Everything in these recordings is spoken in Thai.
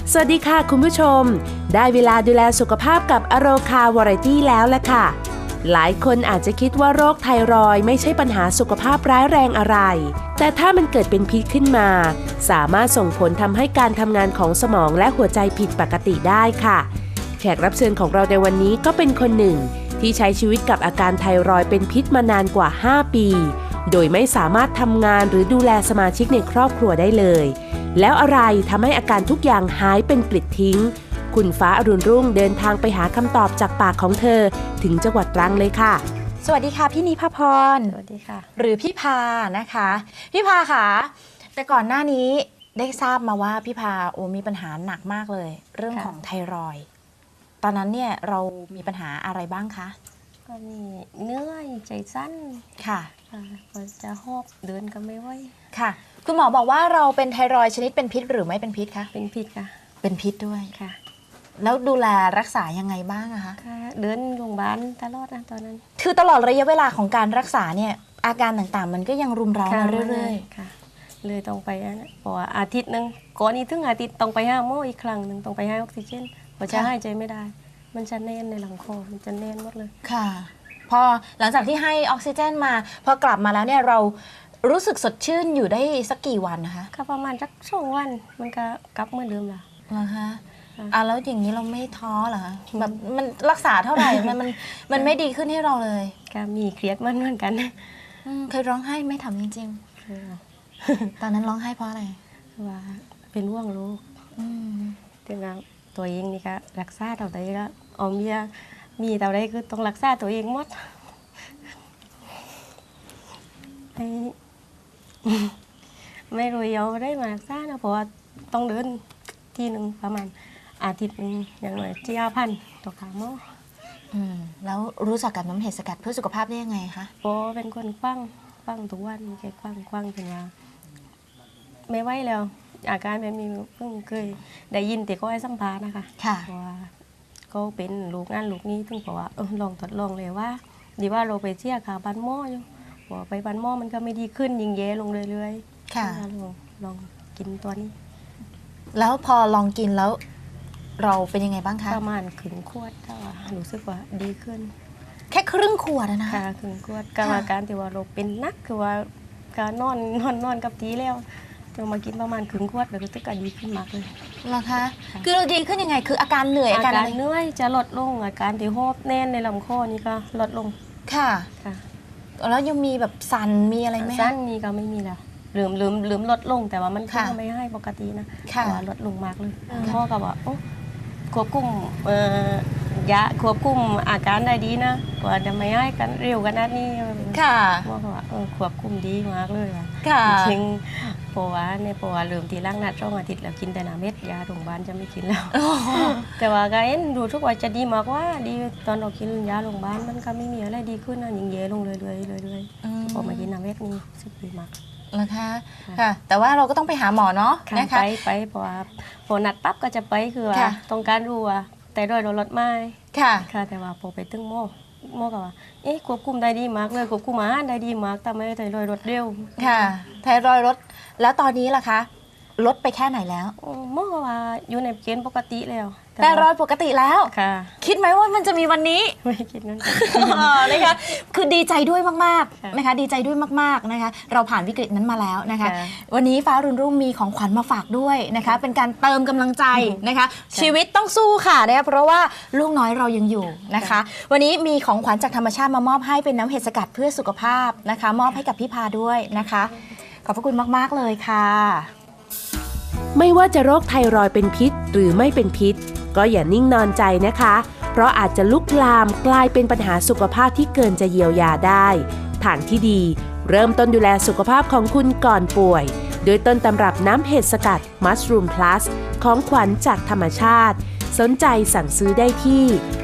สวัสดีค่ะคุณผู้ชมได้เวลาดูแลสุขภาพกับอโรคาวาไรตี้แล้วล่ะค่ะหลายคนอาจจะคิดว่าโรคไทรอยด์ไม่ใช่ปัญหาสุขภาพร้ายแรงอะไรแต่ถ้ามันเกิดเป็นพิษขึ้นมาสามารถส่งผลทำให้การทำงานของสมองและหัวใจผิดปกติได้ค่ะแขกรับเชิญของเราในวันนี้ก็เป็นคนหนึ่งที่ใช้ชีวิตกับอาการไทรอยด์เป็นพิษมานานกว่า5 ปีโดยไม่สามารถทำงานหรือดูแลสมาชิกในครอบครัวได้เลยแล้วอะไรทำให้อาการทุกอย่างหายเป็นปลิดทิ้งคุณฟ้าอรุณรุ่งเดินทางไปหาคำตอบจากปากของเธอถึงจังหวัดตรังเลยค่ะสวัสดีค่ะพี่นิพพรสวัสดีค่ะหรือพี่พานะคะพี่พาค่ะแต่ก่อนหน้านี้ได้ทราบมาว่าพี่พามีปัญหาหนักมากเลยเรื่องของไทรอยด์ตอนนั้นเนี่ยเรามีปัญหาอะไรบ้างคะก็มีเนื้อยใจสั้นค่ะก็จะหอบเดินก็ไม่ไหวค่ะคุณหมอบอกว่าเราเป็นไทรอยด์ชนิดเป็นพิษหรือไม่เป็นพิษคะเป็นพิษค่ะเป็นพิษด้วยค่ะแล้วดูแลรักษายังไงบ้างอะคะเดินโรงพยาบาลตลอดนะตอนนั้นคือตลอดระยะเวลาของการรักษาเนี่ยอาการต่างๆมันก็ยังรุมเร้ามาเรื่อยๆค่ะเลยต้องไปนะเพราะว่าอาทิตย์นึงก่อนนี้ถึงอาทิตย์ต้องไปหาหมออีกครั้งนึงต้องไปให้ออกซิเจนเพราะจะหายใจไม่ได้มันจะแน่นในหลังคอมันจะแน่นหมดเลยค่ะพอหลังจากที่ให้ออกซิเจนมาพอกลับมาแล้วเนี่ยเรารู้สึกสดชื่นอยู่ได้สักกี่วันนะคะก็ประมาณสัก2 วันมันก็กลับเหมือนเดิมละนะคะแล้วอย่างนี้เราไม่ท้อเหรอแบบมันรักษาเท่าไหร่มันไม่ดีขึ้นให้เราเลยก็มีเครียดมันเหมือนกันเคยร้องไห้ไม่ทำจริงๆตอนนั้นร้องไห้เพราะอะไรว่าเป็นห่วงลูกถึงตัวเองนี่ก็รักษาเท่าไหร่ก็เอาเมียมีเท่าไหร่คือต้องรักษาตัวเองหมดไม่รู้ยาวได้มารักษานะเพราะว่าต้องเดินที่หนึ่งประมาณอาทิตย์นึงอย่างน้อย9,000ต่อครั้งมั้งแล้วรู้จักกับน้ำเห็ดสกัดเพื่อสุขภาพได้ยังไงคะโอ้เป็นคนคว้างทุกวันแกคว้างถึงว่าไม่ไหวแล้วอาการแบบนี้เพิ่งเคยได้ยินแต่ก็ให้สัมภาษณ์นะคะเพราะว่าก็เป็นลูกงานลูกนี้ถึงบอกว่าลองทดลองเลยว่าดีว่าเราไปเที่ยวขาบันหม้ออยู่บอกไปบันหม้อมันก็ไม่ดีขึ้นยิ่งแย่ลงเรื่อยๆค่ะลองกินตัวนี้แล้วพอลองกินแล้วเราเป็นยังไงบ้างคะประมาณครึ่งขวดถ้ารู้สึกว่าดีขึ้นแค่ครึ่งขวดนะค่ะครึ่งขวดกรรมการที่ว่าเราเป็นนักคือว่าการนอนกับทีแล้วจะมากินประมาณครึ่งขวดแล้วก็จะดีขึ้นมากเลยเหรอคะคือเราดีขึ้นยังไงคืออาการเหนื่อยอาการเหนื่อยจะลดลงอาการที่หอบแน่นในลำคอนี่ก็ลดลงค่ะแล้วยังมีแบบสั่นมีอะไรไหมสั่นนี่ก็ไม่มีแล้วลืมลดลงแต่ว่ามันก็ไม่ให้ปกตินะว่าลดลงมากเลยพ่อก็บอกควบคุมยาควบคุมอาการได้ดีนะว่าจะไม่ให้กันเร็วกันนัดนี้ค่ะพ่อก็ว่าควบคุมดีมากเลยค่ะจริงเพราะว่าเริ่มทีร่างนัด2 อาทิตย์แล้วกินแต่น้ำเม็ดยาโรงพยาบาลจะไม่กินแล้วแต่ว่าก็ดูทุกวันจะดีมากว่าดีตอนเรากินยาโรงพยาบาลมันก็ไม่มีอะไรดีขึ้นนะยิ่งแย่ลงเรื่อยๆพอมากินน้ำเม็ดนี่สึกดีมากนะคะค่ะแต่ว่าเราก็ต้องไปหาหมอเนาะนะคะไปเพราะว่าพอนัดปั๊บก็จะไปคือว่าต้องการรู้ว่าแต่โดยเราลดไม่ค่ะแต่ว่าพอไปตึ้งหมอก็ว่าควบคุมได้ดีมากเลยควบคุมอาหารได้ดีมากแต่ไม่ไทรอยด์ลดเร็วค่ะไทรอยด์ลดแล้วตอนนี้ล่ะคะลดไปแค่ไหนแล้วหมอก็ว่าอยู่ในเกณฑ์ปกติแล้วไทรอยด์ปกติแล้วค่ะคิดไหมว่ามันจะมีวันนี้ไม่คิดงั้นนะคะคือดีใจด้วยมากๆนะคะดีใจด้วยมากๆนะคะเราผ่านวิกฤตนั้นมาแล้วนะคะวันนี้ฟ้ารุ่นรุ่งมีของขวัญมาฝากด้วยนะคะเป็นการเติมกำลังใจนะคะชีวิตต้องสู้ค่ะนะคะเพราะว่าลูกน้อยเรายังอยู่นะคะวันนี้มีของขวัญจากธรรมชาติมามอบให้เป็นน้ำเห็ดสกัดเพื่อสุขภาพนะคะมอบให้กับพี่พาด้วยนะคะขอบพระคุณมากๆเลยค่ะไม่ว่าจะโรคไทรอยด์เป็นพิษหรือไม่เป็นพิษก็อย่านิ่งนอนใจนะคะเพราะอาจจะลุกลามกลายเป็นปัญหาสุขภาพที่เกินจะเยียวยาได้ทางที่ดีเริ่มต้นดูแลสุขภาพของคุณก่อนป่วยโดยต้นตำรับน้ำเห็ดสกัด Mushroom Plus ของขวัญจากธรรมชาติสนใจสั่งซื้อได้ที่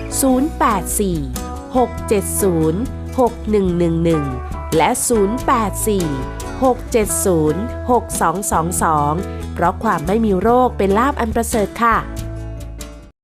084-670-6111 และ 084-670-6222 เพราะความไม่มีโรคเป็นลาภอันประเสริฐค่ะ